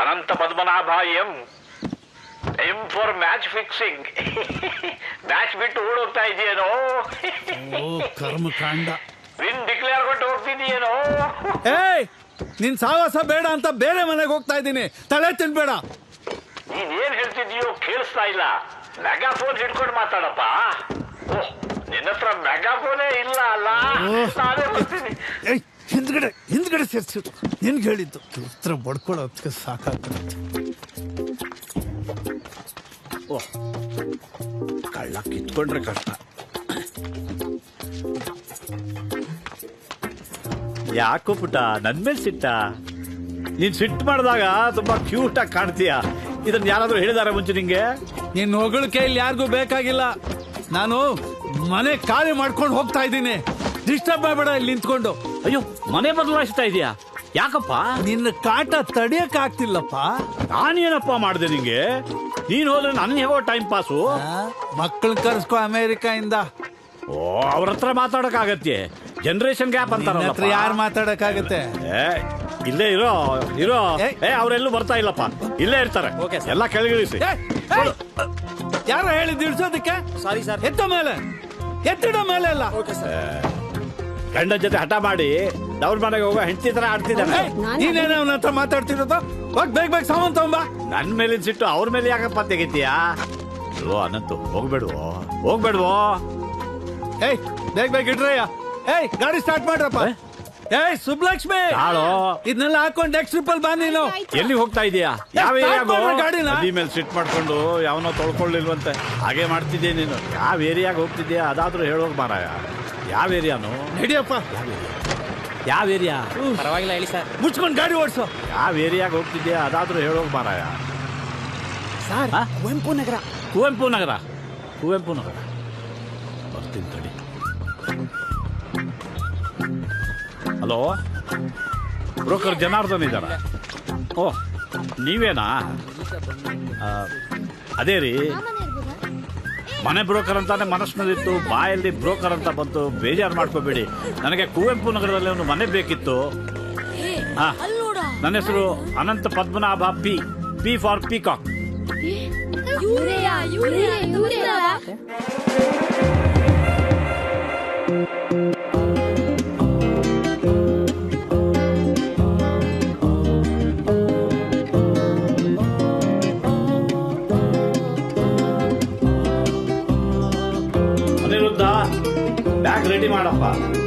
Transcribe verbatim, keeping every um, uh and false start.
Ananta Padmanabha M M for match fixing. Match ಬಿಟ್ಟು ಓಡೋಗ್ತಾ ಇದೆಯೇನೋ. ಕರ್ಮಕಾಂಡ. Win declare ಕೊಟ್ಟು ಹೋಗ್ತಿದೀಯೇನೋ. ಏಯ್, ನಿನ್ ಸಾವಾಸ ಬೇಡ ಅಂತ ಬೇರೆ ಮನೆಗೆ ಹೋಗ್ತಾ ಇದ್ದೀನಿ. ತಲೆ ತಿನ್ಬೇಡ. ನೀನ್ ಏನ್ ಹೇಳ್ತಿದೀಯೋ ಕೇಳಿಸ್ತಾ ಇಲ್ಲ. ಮೆಗಾಫೋನ್ ಹಿಡ್ಕೊಂಡು ಮಾತಾಡಪ್ಪ. ಓಹ್, ನಿನ್ನ ಹತ್ರ ಮೆಗಾಫೋನೇ ಇಲ್ಲ ಅಲ್ಲ. ನಾನೇ ಬರ್ತೀನಿ. ಹಿಂದ್ಗಡೆ ಹಿಂದ್ಗಡೆ ಸೇರ್ಸಿ. ನಿನ್ಗೆ ಹೇಳಿದ್ದು ಉತ್ತರ ಬಡ್ಕೊಳ್ಳೋದಕ್ಕೆ ಸಾಕಾಗ್ತದೆ. ಓಹ್, ಕಳ್ಳ ಕಿತ್ಕೊಂಡ್ರೆ ಕಷ್ಟ. ಯಾಕೋ ಪುಟ್ಟ ನನ್ ಮೇಲೆ ಸಿಟ್ಟ? ನೀನ್ ಸಿಟ್ಟು ಮಾಡಿದಾಗ ತುಂಬಾ ಕ್ಯೂಟ್ ಆಗಿ ಕಾಣ್ತೀಯ. ಇದನ್ನ ಯಾರಾದ್ರೂ ಹೇಳಿದಾರ ಮುಂಚೆ ನಿಂಗೆ? ನಿನ್ ಹೊಗಳಿಕೆ ಇಲ್ಲಿ ಯಾರಿಗೂ ಬೇಕಾಗಿಲ್ಲ. ನಾನು ಮನೆ ಖಾಲಿ ಮಾಡ್ಕೊಂಡು ಹೋಗ್ತಾ ಇದ್ದೀನಿ. ಡಿಸ್ಟರ್ಬ್ ಮಾಡಬೇಡ ಇಲ್ಲಿ ನಿಂತ್ಕೊಂಡು. ಅಯ್ಯೋ, ಮನೆ ಬದಲಾಯಿಸ್ತಾ ಇದೀಯಾ? ಯಾಕಪ್ಪ? ನಿನ್ನ ಕಾಟ ತಡಿಯಕ್ ಆಗ್ತಿಲ್ಲಪ್ಪ. ನಾನೇನಪ್ಪ ಮಾಡ್ದೆ ನಿಂಗೆ? ನೀನ್ ಹೋದ್ರೆ ನನ್ ಹೇಗೋ ಟೈಮ್ ಪಾಸು. ಮಕ್ಕಳನ್ನ ಕರ್ಸ್ಕೊ ಅಮೆರಿಕ ಇಂದ. ಓ, ಅವ್ರ ಹತ್ರ ಮಾತಾಡಕ್ ಆಗತ್ತೆ. ಜನರೇಷನ್ ಗ್ಯಾಪ್ ಅಂತಾರ. ಯಾರು ಮಾತಾಡಕ್ ಆಗತ್ತೆ? ಇಲ್ಲೇ ಇರೋ ಇರೋ ಏ ಅವರೆಲ್ಲೂ ಬರ್ತಾ ಇಲ್ಲಪ್ಪ, ಇಲ್ಲೇ ಇರ್ತಾರೆ. ಎಲ್ಲ ಕೆಳಗಿಳಿಸಿ. ಯಾರು ಹೇಳಿದ್ದು ಇಳಿಸೋದಕ್ಕೆ? Sorry sir. ಎತ್ತ ಮೇಲೆ ಎತ್ತಿಡ ಮೇಲೆ ಅಲ್ಲ. ಗಂಡ ಜೊತೆ ಹಠ ಮಾಡಿ ಅವ್ರ ಮನೆಗೆ ಹೋಗೋ ಹೆಂಡತಿ ತರ ಆಡ್ತಿದ್ದಾನೆ. ನೀನೇನ ಅವನ ಹತ್ರ ಮಾತಾಡ್ತಿರೋದು? ಹೋಗ್ ಬೇಗ ಬೇಗ ಸಾಮಾನ್ ತಗೊಂಬ. ನನ್ ಮೇಲಿನ ಸಿಟ್ಟು ಅವ್ರ ಮೇಲೆ ಯಾಕಪ್ಪ ತೆಗಿತೀಯಾ? ಓ ಅನಂತು, ಹೋಗ್ಬೇಡ್ವೋ ಹೋಗ್ಬೇಡ್ವೋ. ಏಯ್, ಬೇಗ ಬೇಗ ಇಡ್ರಯ್ಯ. ಏಯ್, ಗಾಡಿ ಸ್ಟಾರ್ಟ್ ಮಾಡ್ರಪ್ಪ. ಏಯ್ ಸುಬ್ಲಕ್ಷ್ಮಿ, ಹಾಳೋ ಇದನ್ನೆಲ್ಲ ಹಾಕೊಂಡು ನೆಕ್ಸ್ಟ್ ಟ್ರಿಪ್ ಅಲ್ಲಿ ಬಾ. ನೀನು ಎಲ್ಲಿ ಹೋಗ್ತಾ ಇದೀಯಾ? ಯಾವ ಏರಿಯಾಗೋ? ಗಾಡಿನ ನದಿ ಮೇಲೆ ಸಿಟ್ ಮಾಡ್ಕೊಂಡು ಯಾವನೋ ತೊಳ್ಕೊಳ್ಳಿಲ್ವಂತೆ. ಹಾಗೆ ಮಾಡ್ತಿದ್ದೆ ನೀನು. ಯಾವ ಏರಿಯಾಗ ಹೋಗ್ತಿದ್ಯಾ ಅದಾದ್ರೂ ಹೇಳೋಗ್ ಮಾರಾಯ. ಯಾವ ಏರಿಯಾನು? ನಡಿಯಪ್ಪ. ಯಾವ ಏರಿಯಾ? ಪರವಾಗಿಲ್ಲ ಹೇಳಿ ಸರ್. ಮುಚ್ಕೊಂಡು ಗಾಡಿ ಓಡಿಸು. ಯಾವ ಏರಿಯಾಗ ಹೋಗ್ತಿದ್ಯಾ ಅದಾದ್ರೂ ಹೇಳೋಗ್ ಮಾರಾಯ. ಸರ್, ಕುವೆಂಪು ನಗರ. ಕುವೆಂಪು ನಗರ ಕುವೆಂಪು ನಗರ ಬರ್ತೀನಿ ತಡಿ. ಹಲೋ, ಬ್ರೋಕರ್ ಜನಾರ್ದನ್ ಇದ್ದಾರ? ಓ, ನೀವೇನಾ? ಅದೇ ರೀ, ಮನೆ ಬ್ರೋಕರ್ ಅಂತಾನೆ ಮನಸ್ಸಿನಲ್ಲಿತ್ತು, ಬಾಯಲ್ಲಿ ಬ್ರೋಕರ್ ಅಂತ ಬಂತು. ಬೇಜಾರು ಮಾಡ್ಕೋಬೇಡಿ. ನನಗೆ ಕುವೆಂಪು ನಗರದಲ್ಲಿ ಒಂದು ಮನೆ ಬೇಕಿತ್ತು. ಹಾ, ನನ್ನ ಹೆಸರು Anantha Padmanabha. P P for peacock. Aniruddha, bag ready ಮಾಡಪ್ಪ.